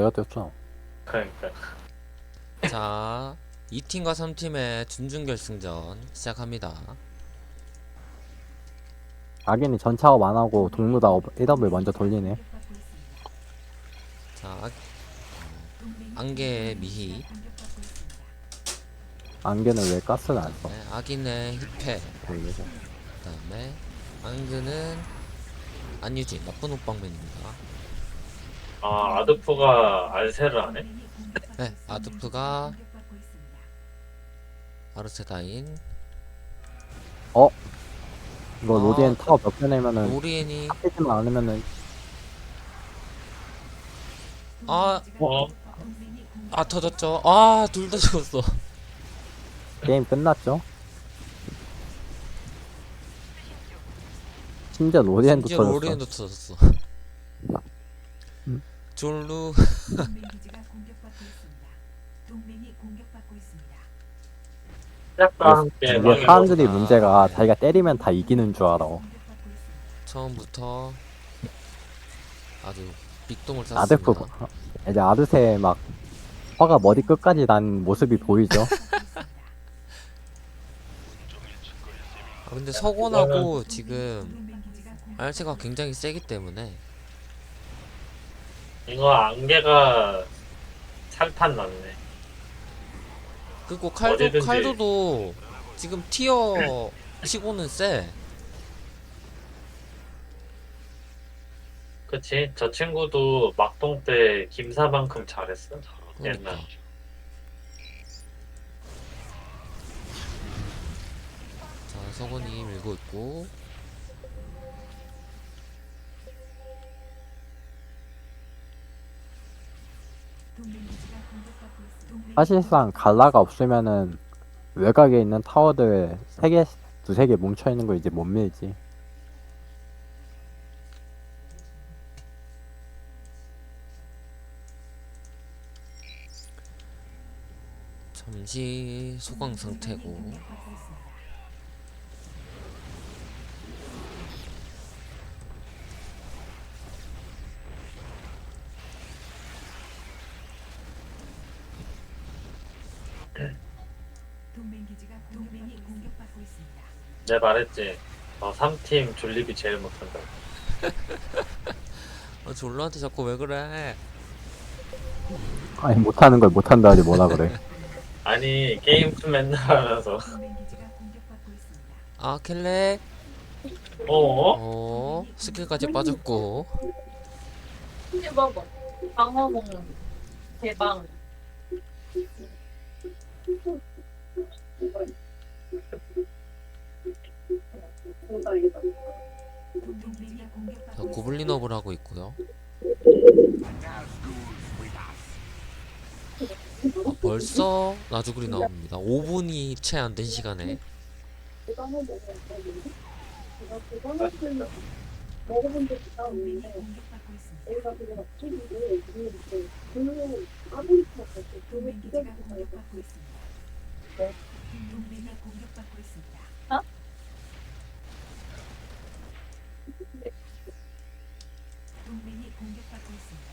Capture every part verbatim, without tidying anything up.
내가 뛰었잖아. 그러니까. 자, 이 팀과 삼 팀의 준준결승전 시작합니다. 악인이 전차업 안 하고 동무다 에이더블유 먼저 돌리네. 자, 아, 안개의 미희, 안개는 왜 가스를 안 써? 네, 악인의 힙해, 돌리고. 그 다음에 안그는 안유진, 나쁜 옷방맨입니다. 아, 아드프가 알세를 하네? 네, 아드프가 아르세다인, 어? 이거 아, 로디엔 타워 몇 개 내면은 로리엔이 탑이지만 않으면은 아, 어? 아 터졌죠. 아, 둘 다 죽었어. 게임 끝났죠? 심지어 로디엔도 심지어 터졌어. 로리엔도 터졌어. 음. 졸루. 시작과 함께 이게 망해버렸다. 사람들이 아, 문제가 네. 자기가 때리면 다 이기는 줄 알아. 처음부터 아주 빅동을 아드프 쌌습니다. 이제 아드세 막 화가 머리 끝까지 난 모습이 보이죠? 아, 근데 서곤하고 지금 알체가 굉장히 세기 때문에 이거 안개가 살판 났네. 그리고 칼도 어디든지. 칼도도 지금 티어 치고는 세. 그치? 저 친구도 막동 때 김사만큼 잘했어. 그러니까. 옛날. 자, 서곤이 밀고 있고 사실상 갈라가 없으면은 외곽에 있는 타워들 세 개, 두세 개 뭉쳐 있는 거 이제 못 밀지. 잠시 소강 상태고. 내가 말했지. 어, 삼 팀 졸립이 제일 못한다. 아, 졸루한테 자꾸 왜 그래? 아니 못하는 걸 못한다 하지 뭐라 그래. 아니, 게임 맨날 하면서. 아, 켈레. 어? 어, 스킬까지 빠졌고. 이제 먹어. 방어 먹는 대방. 자, 고블린업을 하고 있고요. 아, 벌써 나주글이 나옵니다. 오 분이 채 안 된 시간에. 먹어본 적이 있는데 내가 그게 막 튀기고 그 아무리도 없었어. 그게 기대가 공격받고 있습니다. 네. 동맹이 공격받고 있습니다. 어? 동맹이 공격받고 있습니다.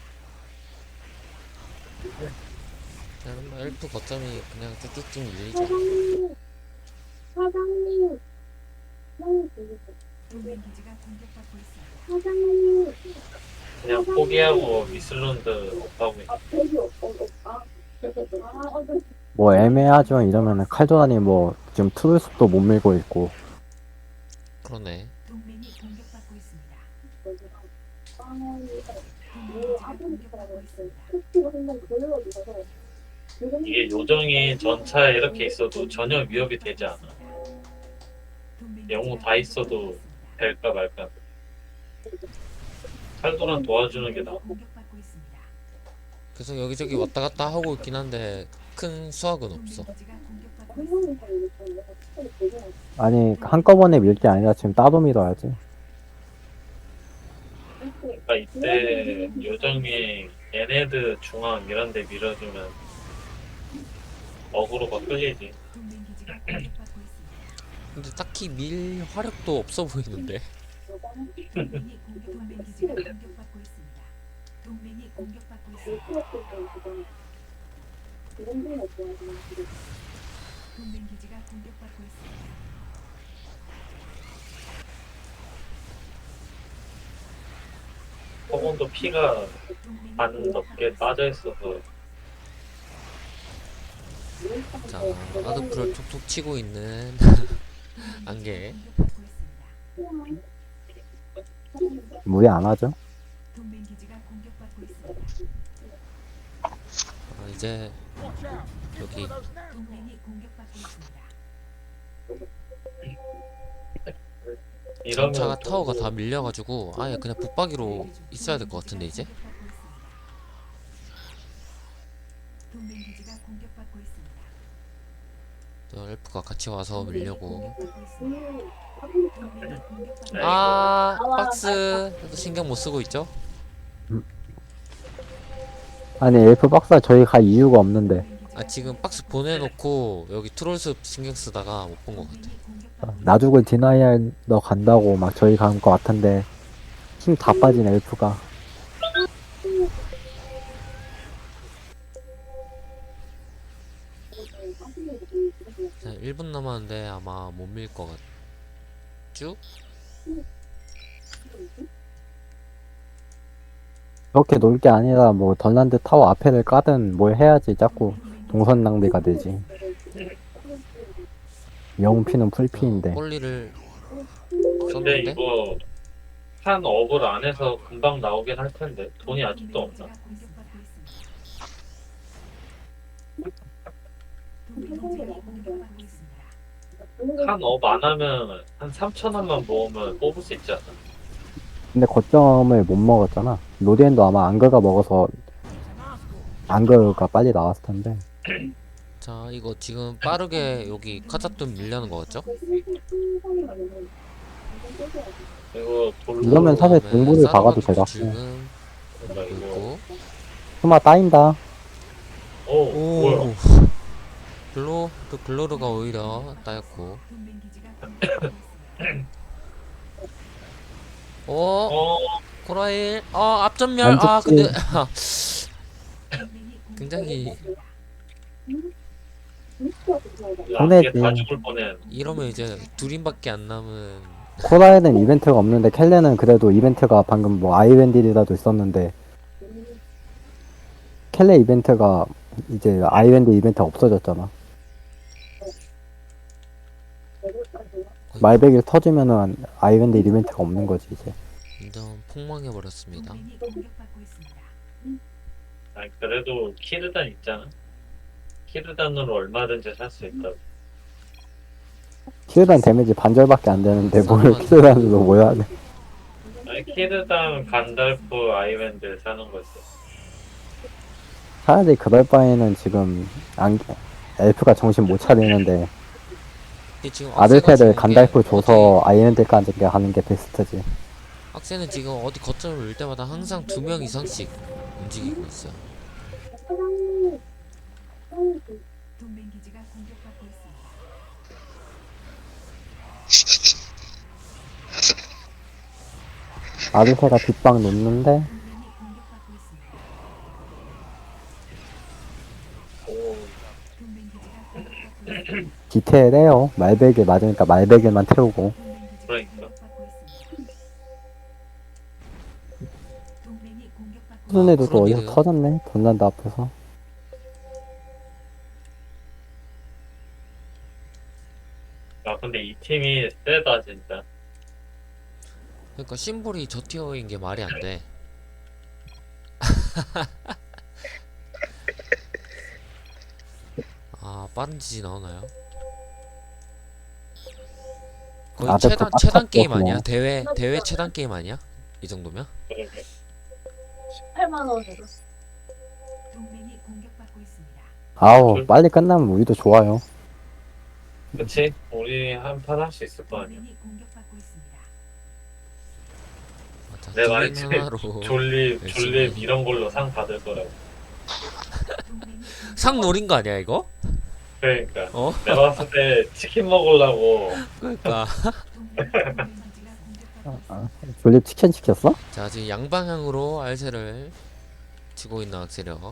자, 뭐 엘프 거점이 그냥 쭉쭉쭉 밀리죠. 사장님, 사장님, 사장님 들리세요? 동맹 기지가 공격받고 있습니다. 사장님. 그냥 포기하고 미슬론드 없다고 해. 아, 배기 없어. 아, 아, 어, 네. 뭐 애매하죠. 이러면은 칼조단이 뭐 지금 트루스도 못 밀고 있고. 그러네. 동맹이 공격받고 있습니다. 동맹 기지가 공격받고 있습니다. 이게 요정이 전차에 이렇게 있어도 전혀 위협이 되지 않아. 영웅 다 있어도 될까 말까. 칼도란 도와주는 게 나아. 계속 여기저기 왔다 갔다 하고 있긴 한데 큰 수확은 없어. 아니 한꺼번에 밀 게 아니라 지금 따로 밀어야지. 그러니까 이때 요정이 얘네드 중앙 이런 데 밀어주면 어그로가 끌리지. 근데 딱히 밀 화력도 없어 보이는데. 동맹이 공격받고 있습니다. 동맹 기지가 공격받고 있습니다. 허공도 피가 동맹이 반 넘게 빠져 있어서 자, 아드프를 툭툭 치고 있는 안개. 공격받고 있습니다. 무리 안 하죠? 동맹 기지가 공격받고 있습니다. 아, 이제 여기 동맹이 공격받고 있습니다. 이러면 전차가 좀 타워가 다 밀려가지고 아예 그냥 붙박이로 있어야 될 것 같은데 이제. 동맹 기지가 공격받고 있습니다. 저 엘프가 같이 와서 밀려고. 동맹이 공격받고 아, 박스 신경 못 쓰고 있죠? 아니 엘프 박사 저희 갈 이유가 없는데 아, 지금 박스 보내놓고 여기 트롤스 신경 쓰다가 못 본 것 같아. 나죽을 디나이알 너 간다고 막 저희 간 것 같은데 힘 다 빠진 엘프가 자, 일 분 남았는데 아마 못 밀 것 같죠? 그렇게 놀 게 아니라 뭐 덜란드 타워 앞에를 까든 뭘 해야지 자꾸 동선 낭비가 되지. 영피는 풀피인데 꼴리를 근데 썼는데 이거 한 업을 안 해서 금방 나오긴 할 텐데 돈이 아직도 없나? 한 업 안 하면 한 삼천 원만 모으면 뽑을 수 있지 않나? 근데 거점을 못 먹었잖아. 로디엔도 아마 안그가 먹어서 안그가 빨리 나왔을 텐데 자, 이거 지금 빠르게 여기 카자돈 밀려는 거 같죠? 이거 돌로 이러면 사실 그다음에 동굴을 박아도 사르바도 되겠고 지금 뭔가 이거 있고. 스마 따인다. 오, 뭐야? 오, 글로 또 글로르가 오히려 따였고. 오, 어, 코라일, 어 앞전멸. 아 안 근데 굉장히 보내지. 이게 다 죽을 뻔해. 이러면 이제 둘인밖에 안 남은. 코라에는 이벤트가 없는데 켈레는 그래도 이벤트가 방금 뭐 아이웬딜이라도 있었는데 켈레 이벤트가 이제 아이웬딜 이벤트 없어졌잖아. 말백일 터지면은 아이웬딜 이벤트가 없는 거지 이제. 완전 폭망해 버렸습니다. 아니, 그래도 키르단 있잖아. 키르단으로 얼마든지 살 수 있다. 키르단 데미지 반절밖에 안 되는데 뭘 키르단으로 모여야 돼. 아니, 키르단, 간달프, 아이밴드 사는 거지. 차라리 그럴 바에는 지금 안, 엘프가 정신 못 차리는데 근데 지금 아들패를 악세가 간달프 지금 줘서 아이엔드까지 하는 게 베스트지. 악세는 지금 어디 거점을 밀 때마다 항상 두 명 이상씩 움직이고 있어요. 동맹 기지가 공격받고 있습니다. 아들패가 뒷방 놓는데 동맹이 공격받고 있습니다. 오, 동맹 기지가 공격받고 있습니다. 디테일해요. 말백일 맞으니까 말백일만 태우고. 동맹 기지가 그러니까. 공격받고 있습니다. 동맹이 공격받고 수준 애도 또 그러게요. 어디서 터졌네. 던난드 앞에서. 야, 근데 이 팀이 세다, 진짜. 그러니까 심볼이 저 티어인 게 말이 안 돼. 아, 빠른 지지 나오나요? 거의 아, 최단 그 최단 빡쳤어, 게임 아니야? 그냥. 대회 대회 최단 게임 아니야? 이 정도면? 그러게. 팔만 원 줬어. 동맹이 공격받고 있습니다. 아우 빨리 끝나면 우리도 좋아요. 그치? 우리 한 판 할 수 있을 거 아니야. 동맹이 공격받고 있습니다. 맞아. 내 두개 말했지. 하나로 졸립, 열심히. 졸립 이런 걸로 상 받을 거라고. 동맹이 상 노린 거 아니야 이거? 그러니까. 어? 내가 봤을 때 치킨 먹으려고. 그러니까. 동맹 동맹 기지가 공격받고 아, 졸립 치킨 시켰어? 자, 지금 양방향으로 알세를 치고 있는 악세력.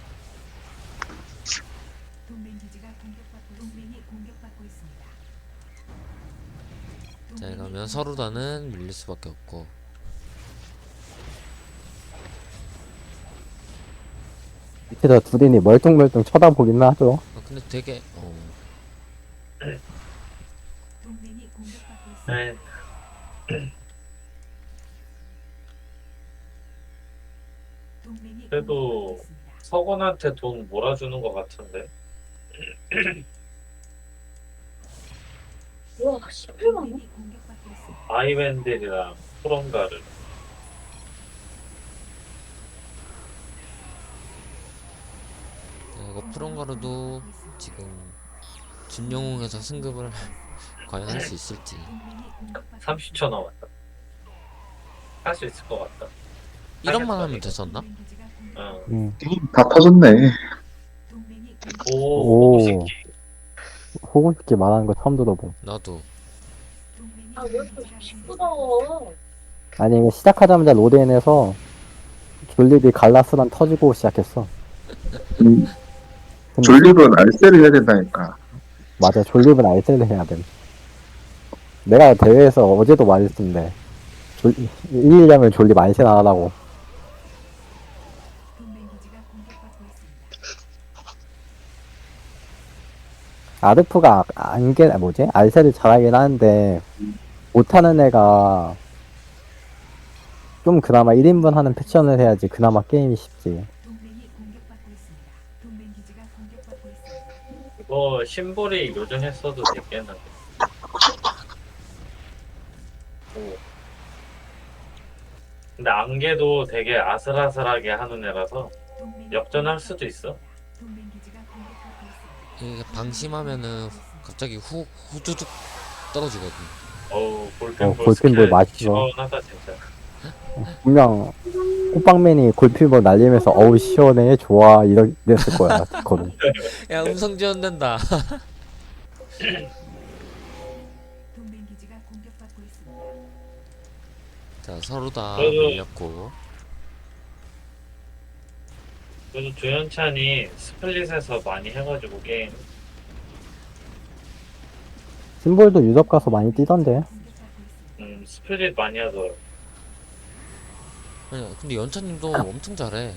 동맹 기지가 공격받고 동맹이 공격받고 있습니다. 자, 이러면 서로다는 밀릴 수밖에 없고. 밑에서 둘이니 멀뚱멀뚱 쳐다보긴 하죠. 아, 근데 되게 어, 동맹이 공격받고 있습니다. 네. 동맹이 그래도 공격받고 있습니다. 서건한테 돈 몰아주는 것 같은데. 와, 십팔만 원? 동맹이 공격받고 있습니다. 아이웬델이랑 프롬가를. 자, 이거 프롬가루도 지금 준영웅에서 승급을 과연 할 수 있을지. 동맹이 공격받고 삼십 초 남았다. 할 수 있을 것 같다. 이런만 하면 됐었나? 동맹 기지가 공격- 어. 음. 다 터졌네. 동맹이 오, 오. 새끼. 호구 새끼 말하는 거 처음 들어봄. 나도. 동맹이 아, 왜 이렇게 기지가 시끄러워? 아니 이거 시작하자마자 로데인에서 졸립이 갈라스란 터지고 시작했어. 음, 근데 졸립은 알세를 해야 된다니까. 맞아, 졸립은 알셀을 해야 돼. 내가 대회에서 어제도 말했는데 졸, 이기려면 졸립 알셀 안 하라고. 동맹 기지가 공격받고 있습니다. 아르프가 안게 뭐지? 알셀을 잘하긴 하는데 못하는 애가 좀 그나마 일 인분 하는 패션을 해야지 그나마 게임이 쉽지. 동맹이 공격받고 있습니다. 동맹 기지가 공격받고 있습니다. 이거 심볼이 요정했어도 됐겠는데. 오. 근데 안개도 되게 아슬아슬하게 하는 애라서 동맹이 역전할 수도 있어. 동맹 기지가 공격받고 있습니다. 이게 방심하면은 갑자기 후 후두둑 떨어지거든. 어우, 볼펜볼 어, 볼펜볼 스킬 맛있어. 시원하다 진짜. 분명 호빵맨이 골피버 날리면서 어우 시원해 좋아 이랬을 거야. 그거는. 야, 음성 지원된다. 동맹 기지가 공격받고 있습니다. 자, 서로 다 그래도- 밀렸고. 그래도 조현찬이 스플릿에서 많이 해가지고 게임 심볼도 유럽 가서 많이 뛰던데. 공격받고 있습니다. 음, 스플릿 많이 하더라고. 아니, 근데 연차님도 엄청 잘해.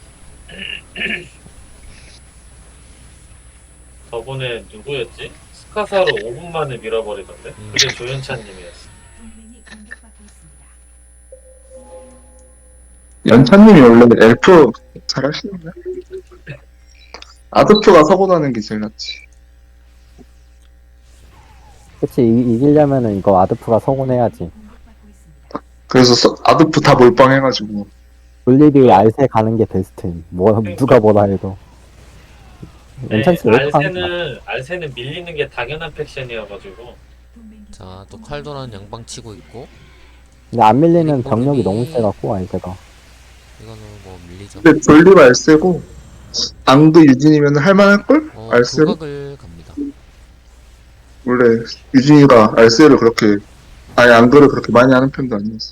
저번에 누구였지? 스카사로 오 분 만에 밀어버리던데? 음. 그게 조현찬님이었어. 동맹이 공격받고 있습니다. 연차님이 원래 엘프 잘하시는데. 아드표가 사고 나는 게 제일 낫지. 그치 이, 이기려면은 이거 아드프가 서곤해야지. 공격받고 있습니다. 그래서 서- 아드표 다 몰빵해가지고. 졸립이 알세 가는 게 베스트임. 뭐 누가 뭐라 해도. 네, 괜찮지? 왜 이렇게 하는 거야? 알세는 알세는 밀리는 게 당연한 팩션이어가지고 동맹 기지가 자, 또 칼도란 양방 치고 있고. 근데 안 밀리면 그리고 병력이 이미- 너무 세갖고 알세가. 이거는 뭐 밀리죠. 근데 졸리가 알세고, 앙도 유진이면 할만할걸? 어, 알세로? 조각을 갑니다. 원래 유진이가 알세를 그렇게, 아예 앙도를 그렇게 많이 하는 편도 아니었어.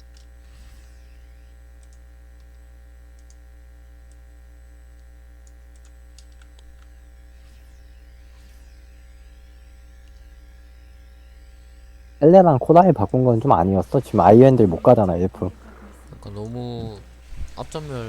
엘레랑 코다이 바꾼 건 좀 아니었어. 지금 아이엔들 못 가잖아 엘프. 그러니까 너무 앞전멸.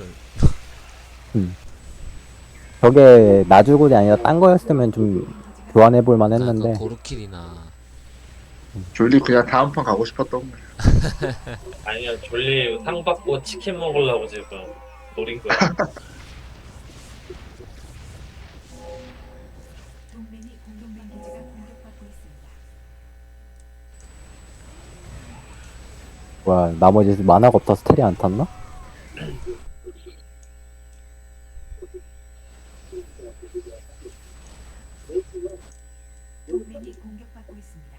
저게 나주골이 아니라 딴 거였으면 좀 교환해볼 만 그러니까 했는데 그 고르킬이나 졸리 그냥 다음 판 가고 싶었던 거야. 아니야 졸리 상 받고 치킨 먹으려고 지금 노린 거야. 동맹이 공동맹 기지가 공격받고 있습니다. 뭐야 나머지 만화가 없다 스텔이 안 탔나? 동맹이 공격받고 있습니다.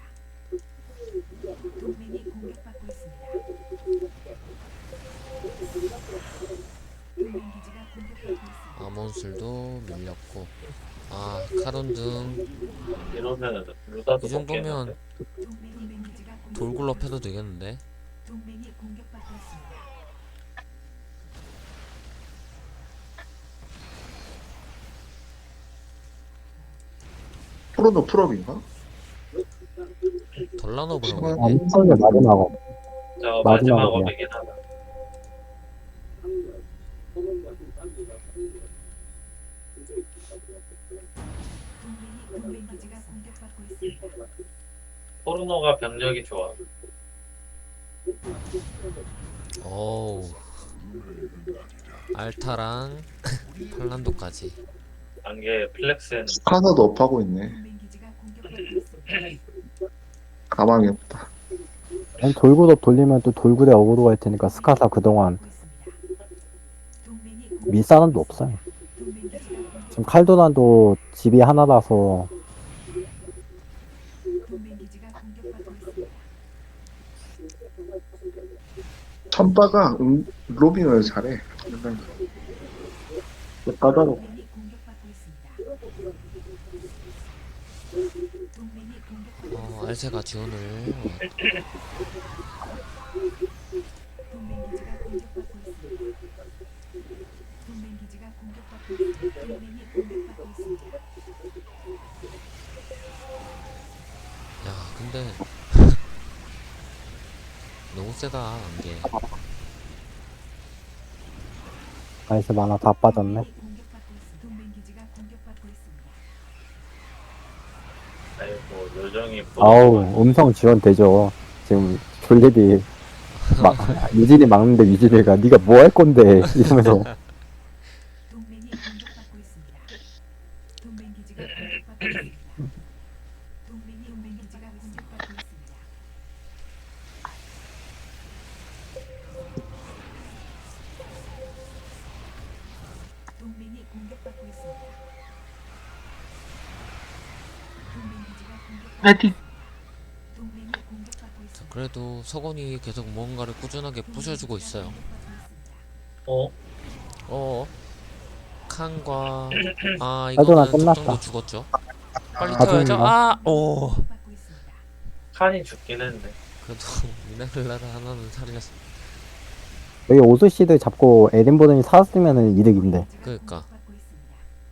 동맹이 공격받고 있습니다. 동맹 기지가 공격받고 있습니다. 아몬술도 밀렸고. 아, 카론 등 이 이러면 루다도 정도면 먹겠는데. 동맹 기지가 공격- 돌굴럽 해도 되겠는데. 동맹이 공격받고 있습니다. 프로노 풀업인가? 덜라노브라고 아, 아, 했네. 미성의 마지막 저 마지막으로 마지막 그냥. 업이긴 하다. 동맹이 동맹 기지가 공격받고 있습니다. 포르노가 병력이 좋아. 어우. 알타랑 팔란도까지. 단계 플렉스는 스카너도 업하고 있네. 동맹 기지가 공격받고 있습니다. 가망이 없다. 아니, 돌구도 돌리면 또 돌구대 어그로가 할 테니까 스카사 그동안 동맹이 밀 사람도 없어요. 동맹 기지가 지금 칼도난도 집이 하나라서 동맹 기지가 공격받고 있습니다. 천바가 음, 로빙을 잘해. 약간 까다로워. 동맹이 공격받고 있습니다. 동맹이 공격받고 어, 알세가 지원을. 동맹 기지가 공격받고 있습니다. 동맹 기지가 공격받고 있습니다. 동맹이 공격받고 있습니다. 야, 근데 너무 세다 안개. 아이스 만화 다 빠졌네. 동맹이 공격받고 있습니다. 동맹 기지가 공격받고 있습니다. 아이고 요정이 아우, 음성 지원 되죠. 지금 졸립이 막 유진이 막는데 유진이가 네가 뭐 할 건데 이러면서 동맹이 공격받고 있습니다. 동맹 기지가 공격받고 있습니다. 동맹이 동맹 기지가 공격받고 있습니다. 동맹이 공격받고 있습니다. 동맹 기지가 공격받고 동맹이 공격받고 있습니다. 그래도 서건이 계속 무언가를 꾸준하게 부셔주고 있어요. 어? 어. 칸과 아 하도나 이거는 끝났다. 특정도 죽었죠. 빨리 아, 태워야죠. 하도나. 아, 오. 공격받고 있습니다. 칸이 죽긴 했네. 그래도 미나클라를 하나는 살렸어. 여기 오스시드 잡고 에덴보든이 살았으면 이득인데. 그러니까. 공격받고 있습니다.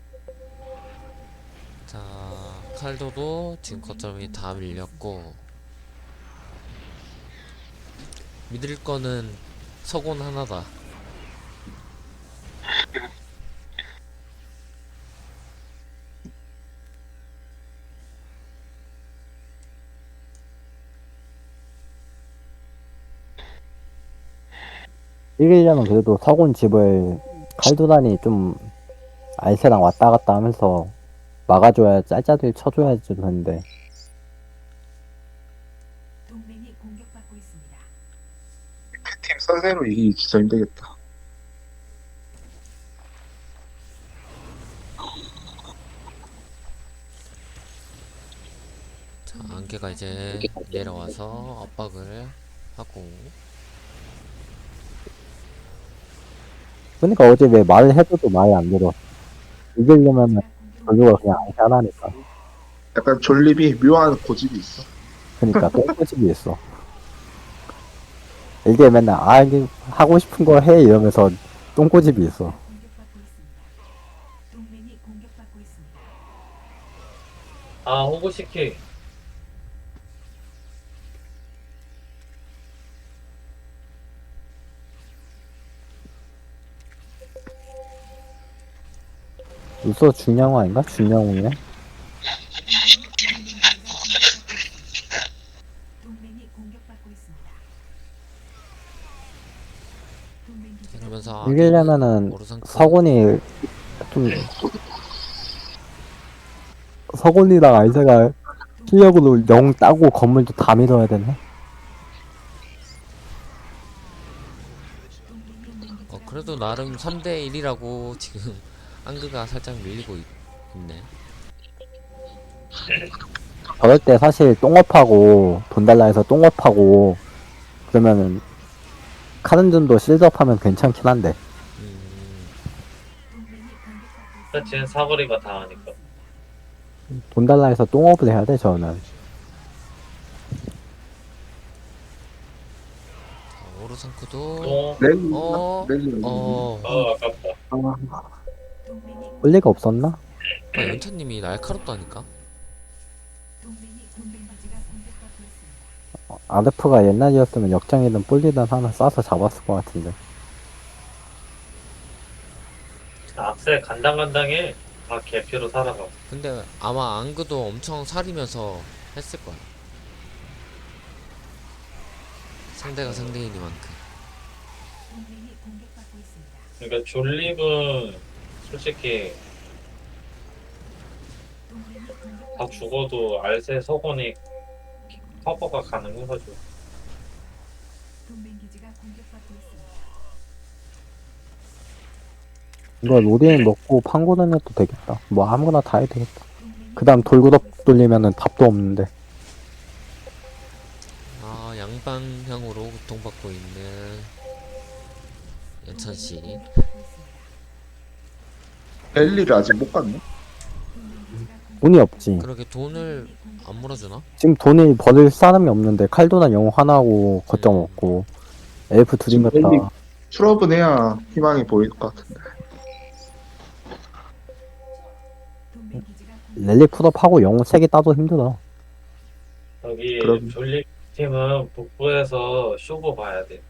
자, 칼도도 지금 거점이 다 밀렸고 믿을 거는 서곤 하나다. 이기려면 그래도 서곤 집을 칼도단이 좀 알세랑 왔다 갔다 하면서 막아줘야 짤짤들 쳐줘야지 되는데 동맹이 공격받고 있습니다. 팀 선세로 이기기 진짜 힘들겠다. 자, 안개가 이제 내려와서 압박을 하고 그러니까 어제 왜 말을 해줘도 말이 안 들어. 이기려면은 별로가 그냥 알세 하나니까. 약간 졸립이 묘한 고집이 있어. 그러니까 똥꼬집이 있어. 이게 맨날 아 이게 하고 싶은 거 해 이러면서 똥꼬집이 있어. 공격받고 있습니다. 동맹이 공격받고 있습니다. 아 호구시키. 루소 중량호 아닌가? 중량호네. 동맹이 공격받고 있습니다. 동맹 기지가 그러면서 이기려면은 오르상크 서곤이 좀 서곤이랑 알세가 실력으로 영 따고 건물도 다 밀어야 되네. 어, 그래도 나름 삼 대 일이라고 지금 안그가 살짝 밀리고 있, 있네. 저럴 때 사실 똥업하고 돈 달라 해서 똥업하고 그러면은 카른준도 실드업하면 괜찮긴 한데 음, 동맹이 공격받고 그치는 사거리가 다 하니까. 돈 달라 해서 똥업을 해야 돼 저는. 자, 오르상크도 어? 랠리, 어, 랠리. 어, 어 아깝다. 아, 동맹이 볼 리가 없었나? 아, 연차님이 날카롭다니까. 아르프가 옛날이었으면 역장이든 뿔리든 하나 쏴서 잡았을 것 같은데. 악셀 간당간당해. 아 개피로 살아가. 근데 아마 앙그도 엄청 살이면서 했을 거야. 상대가 상대이니만큼. 동맹이 공격받고 있습니다. 그러니까 졸립은 솔직히 동맹이 공격받고 다 죽어도 알세 석원이 커버가 가능해가지고. 동맹 기지가 공격받고 있습니다. 이거 로딩 먹고 판고는 해도 되겠다. 뭐 아무거나 다 해도 되겠다. 동맹이 그 다음 돌구덕 돌리면은 답도 없는데. 아, 양방향으로 고통받고 있는 연천씨. 공격받고 있습니다. 랠리를 아직 못 갔네? 동맹 기지가 돈이 없지. 그러게 돈을 안 물어주나? 지금 돈을 버릴 사람이 없는데 칼도난 영웅 하나고 거점 없고 엘프 지금 둘이면 랠리 다 풀업은 해야 희망이 보일 것 같은데. 동맹 기지가 공격- 랠리 푸업하고 영웅 세 개 따도 힘들어. 여기 그럼. 졸립 팀은 북부에서 쇼부 봐야 돼.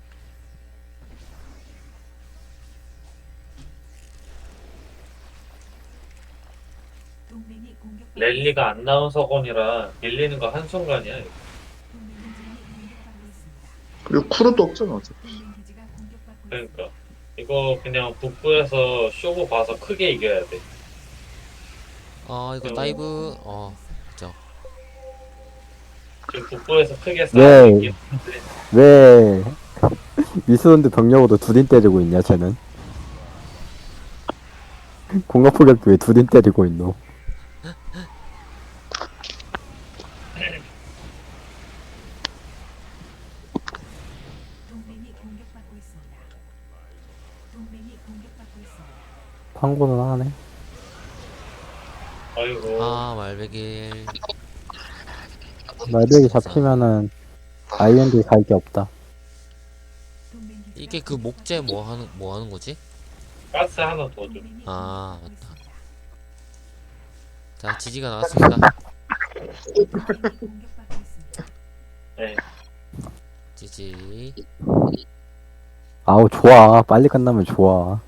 동맹이 공격받고 랠리가 안 나온 석원이라 밀리는 거 한순간이야. 이거. 동맹 기지가 공격받고 있습니다. 그리고 쿠르도 없잖아, 어차피. 동맹 기지가 공격받고 그러니까 이거 그냥 북부에서 쇼부 봐서 크게 이겨야 돼. 아, 이거 음. 다이브, 어, 그죠. 지금 북부에서 크게 네. 싸우고 있긴 한데 왜 미스론드 병력으로 두딘 때리고 있냐 쟤는. 공격포격도 왜 두딘 때리고 있노. 동맹이 공격받고 있습니다. 동맹이 공격받고 있습니다. 판고는 하네. 아이고 아, 말베길. 말백이 잡히면은 아이엔드 갈 게 없다. 동맹 기지가 이게 그 목재 뭐 하는, 뭐 하는 거지? 가스 하나 더 줘. 동맹이 아, 공격받고 맞다. 있습니다. 자, 지지가 나왔습니다. 동맹이 공격받고 있습니다. 네. 지지. 아우 좋아. 빨리 끝나면 좋아.